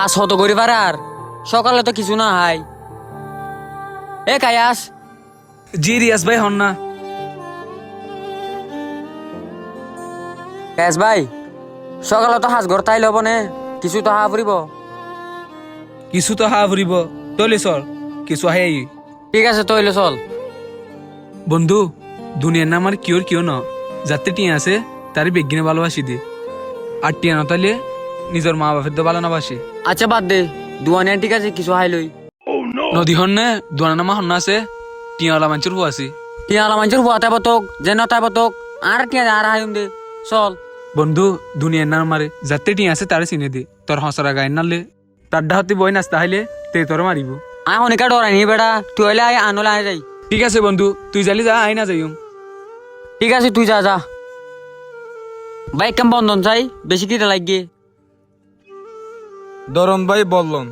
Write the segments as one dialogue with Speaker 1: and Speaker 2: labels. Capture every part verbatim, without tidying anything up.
Speaker 1: আজ হত করি পারার সকালে তো কিছু না হাই এ কায়াস
Speaker 2: জি রিয়াজ ভাই হন না।
Speaker 1: কায়াস ভাই সকালে তো হাঁস ঘর তাই লব নে কিছু তো হা ফুরিব।
Speaker 2: কিছু তো হা ফুরিব তৈলে চল কিছু আহে আই।
Speaker 1: ঠিক আছে তৈলে চল।
Speaker 2: বন্ধু দুনিয়ার নাম আর কিওর কিও ন যাতে টিয়া আছে তার বেগিনে ভালোবাসি দে আর টিয়া নতালে নিজের মা বাপের তো ভালো না বাসি।
Speaker 1: আচ্ছা বাদ দে দুয়ানিয়া ঠিক আছে কিছু হাই লই।
Speaker 2: নদী হন নে দুয়ানা নামা হন না আছে টিয়াওয়ালা মানুষের হু আছি।
Speaker 1: টিয়া আলা মানুষের হুয়া তাই বতক যে নতাই বতক আর টিয়া আর হাইম দে চল।
Speaker 2: বন্ধু দুনিয়ার নাম মারে যাতে টিয়া আছে তারে চিনে দে তোর হসরা গায়ে নালে তার ডাহতে বই নাস্তা হাইলে তে তোর মারিব।
Speaker 1: আয় অনেকা ডরাই নি বেড়া তুই হইলে আয় আনলে আয় যাই।
Speaker 2: ঠিক আছে বন্ধু তুই জালি যা আই না যাইম।
Speaker 1: ঠিক আছে তুই যা যা। বাইক কেম বন্ধন চাই বেশি কিটা লাগিয়ে
Speaker 3: দরন ভাই বললন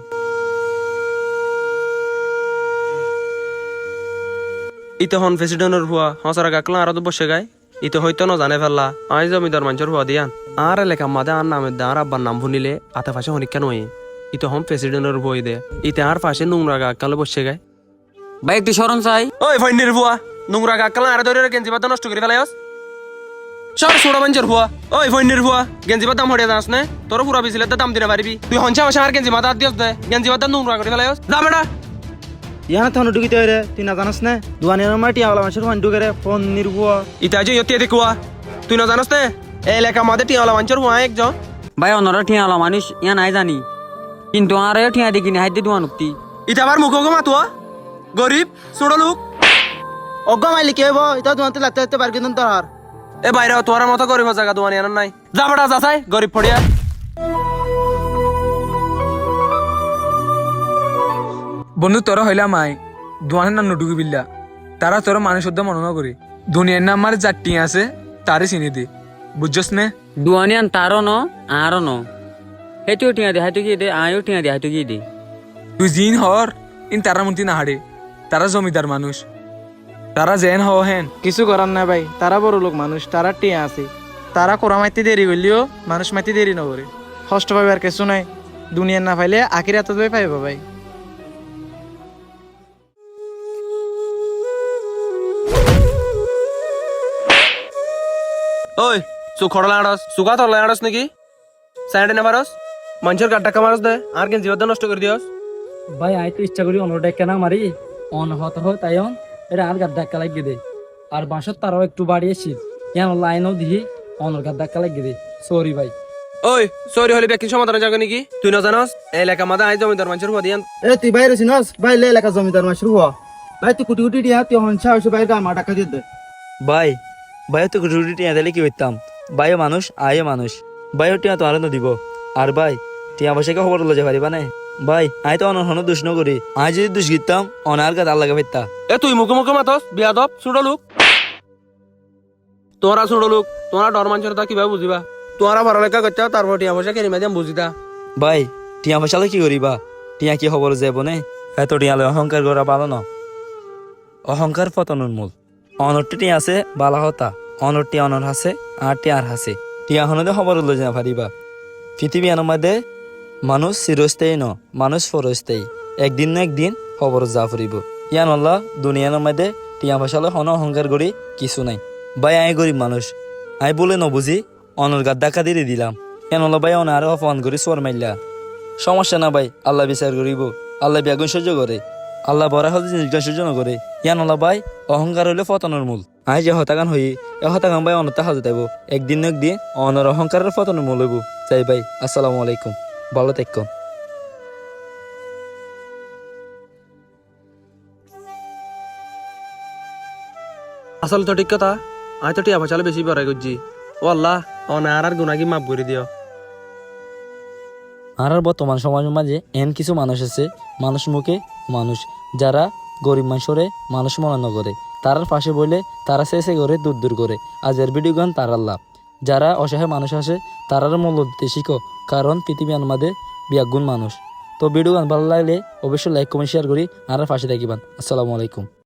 Speaker 3: ইতে হন প্রেসিডেন্টের হুয়া হসারা গাকলা আর তো বসে গায় ইতে হয়তো ন জানে ফেললা আই জমিদার মানুষের হুয়া দিয়ান আর এলাকা মাদে আর নামের দে আর আব্বার নাম ভুনিলে আতে ফাঁসে হনিকা নয় ইতে হন প্রেসিডেন্টের বই দে ইতে আর ফাঁসে নোংরা গাকালে বসে গায়।
Speaker 1: ভাই একটু স্মরণ চাই।
Speaker 3: ওই ফাইনের হুয়া নোংরা গাকালে আর ধরে গেঞ্জি পাতা নষ্ট করে ফেলায়স সর সোড়া মানুষের হুয়া। ওই ফাইনের হুয়া গেঞ্জি পাতা হড়ে যাস না তোর পুরা বিছিলে দাম দিনে পারবি তুই হঞ্চা ভাষা আর গেঞ্জি মাথা দিয়স দে গেঞ্জি পাতা নোংরা করে ফেলায়স যা বেটা।
Speaker 4: ইয়ানা থানো ঢুকিতে হইরে তুই না জানাস না দুয়ানিয়ার মাটি আওলা মানুষের ফোন ঢুকে রে ফোন নির্ভুয়া
Speaker 3: ইতা যে ইয়তে দেখুয়া তুই না জানাস নে এই এলাকা মাদে টিয়ালা মানুষের হুয়া একজন
Speaker 1: ভাই অন্যরা ঠিয়া আলা মানুষ ইয়া নাই জানি কিন্তু আর ঠিয়া দেখিনি হাইতে দুয়া নুক্তি
Speaker 3: ইতা আবার মুখ মাতুয়া গরিব ছোট লোক
Speaker 4: অজ্ঞ মাইলি কে হইব এটা দুয়াতে লাগতে লাগতে পারবি না তোর হার
Speaker 3: এ বাইরে তোর মতো গরিব জায়গা দোয়ানি আনার নাই যা বেটা যাচাই গরিব ফড়িয়া।
Speaker 2: বন্ধু তোর হইলাম আই দুয়ানের নাম নুটুকি বিল্লা তারা তোর মানুষ শুদ্ধ মনে করি দুনিয়ার নাম মারে যার টিয়া আছে তারে চিনি দে বুঝছস নে।
Speaker 1: দুয়ানিয়ান তারও ন আরও ন সেইটিও ঠিয়া দে হাইতো কি দে আয়ও ঠিয়া দে হাইতো কি দে।
Speaker 2: তুই জিন হর ইন তারা মন্তি না হারে তারা জমিদার মানুষ তারা জেন হও হেন
Speaker 4: কিছু করার না ভাই তারা বড় লোক মানুষ তারা টিয়া আছে তারা কোরা মাইতে দেরি করলেও মানুষ মাইতে দেরি নকরে কষ্ট পাবে আর কিছু নাই দুনিয়ার না পাইলে আখির হাতে ভাই পাইব ভাই।
Speaker 3: ওই চুখ খড়লা আড়স চুকা তরলা আড়স নাকি সাইডে না পারস মানুষের গাড় টাকা মারস দে আর কেন জীবন নষ্ট করে দিয়স।
Speaker 5: ভাই আই তো ইচ্ছা করি অন্যটা কেনা মারি অন হত হয় তাই অন এটা আর গাদ ধাক্কা লাগিয়ে দে আর বাঁশর তারাও একটু বাড়িয়েছি কেন লাইনও দিহি অনর গাদ ধাক্কা লাগিয়ে দে সরি ভাই।
Speaker 3: ওই সরি হলে ব্যক্তি সমাধানে যাবে নাকি তুই না জানাস এই এলাকা মাদে আই জমিদার মানুষের হুয়া দিয়ান।
Speaker 4: এ তুই বাইরে চিনস ভাই লে এলাকা জমিদার মাসুর হওয়া ভাই তুই কুটি কুটি টিয়া তুই হনসা হইছে ভাই গামা টাকা দিয়ে দে।
Speaker 6: ভাই ভাইও তো রুটি টিয়া দিলে কি করতাম ভাইও মানুষ আয়ও মানুষ ভাইও টিয়া তো আরো দিব আর ভাই টিয়া বসে খবর লজে পারিবা না ভাই আই তো অনহন দুষ নকরি আই যদি দুষ গিতাম অনার গাদ আল্লাহ ফেরতা।
Speaker 3: এ তুই মুখে মুখে মাতস বিয়াদব ছোট লোক তোরা ছোট লোক তোরা ডর মানুষের তা কিভাবে বুঝিবা তোরা পড়ালেখা করতে তারপর টিয়া পয়সা কেনি মাদিয়াম বুঝিতা।
Speaker 6: ভাই টিয়া বসালে কি করিবা টিয়া কি খবর যাব নে এত টিয়ালে অহংকার করা ভালো না অহংকার পতনের মূল অনরটি টিয়া আছে বালা হতা অনরটি অনর হাসে আর টিয়ার হাসে টিয়া হনদে খবর লজে না পারিবা পৃথিবী আনার মধ্যে মানুষ চিরস্থায়ী ন মানুষ ফরস্থায়ী একদিন না একদিন খবর যা ফুরিব ইয়ান আল্লাহ দুনিয়ার মধ্যে টিয়া বসালে হন অহংকার করি কিছু নাই ভাই আই গরিব মানুষ আই বলে নবুঝি অনর গাদ ডাকা দিয়ে দিলাম ইয়ান আল্লাহ ভাই অনারে অপমান করি সোর মাইলা সমস্যা না ভাই আল্লাহ বিচার করিব আল্লাহ ব্যাগুন সহ্য করে আল্লাহ বড় হলে জিনিস সহ্য ন করে ইয়ান আল্লাহ ভাই অহংকার হইলে পতনের মূল আই যে হতাগান হই এ হতাগান ভাই অনতা হাজে দেব একদিন না একদিন অনর অহংকারের পতনের মূল হইব চাই ভাই আসসালামু আলাইকুম ভালো থাকুন।
Speaker 3: আসল তো ঠিক কথা আই তো টিয়া পয়সা বেশি বড়াই করছি ও আল্লাহ অনার আর গুনাকি মাফ করে দিও।
Speaker 6: আর বর্তমান সমাজের মাঝে এন কিছু মানুষ আছে মানুষ মুখে মানুষ যারা গরিব মানুষরে মানুষ মনে করে তারার পাশে বলে তারা শেষে করে দূর দূর করে আজ এর ভিডিও গান তারার লাভ যারা অসহায় মানুষ আছে তারার মূল্য দিতে শিখো কারণ পৃথিবী আমাদের বিয়াগুণ মানুষ। তো ভিডিও গান ভালো লাগলে অবশ্যই লাইক কমেন্ট শেয়ার করি আর পাশে থাকিবান। আসসালামু আলাইকুম।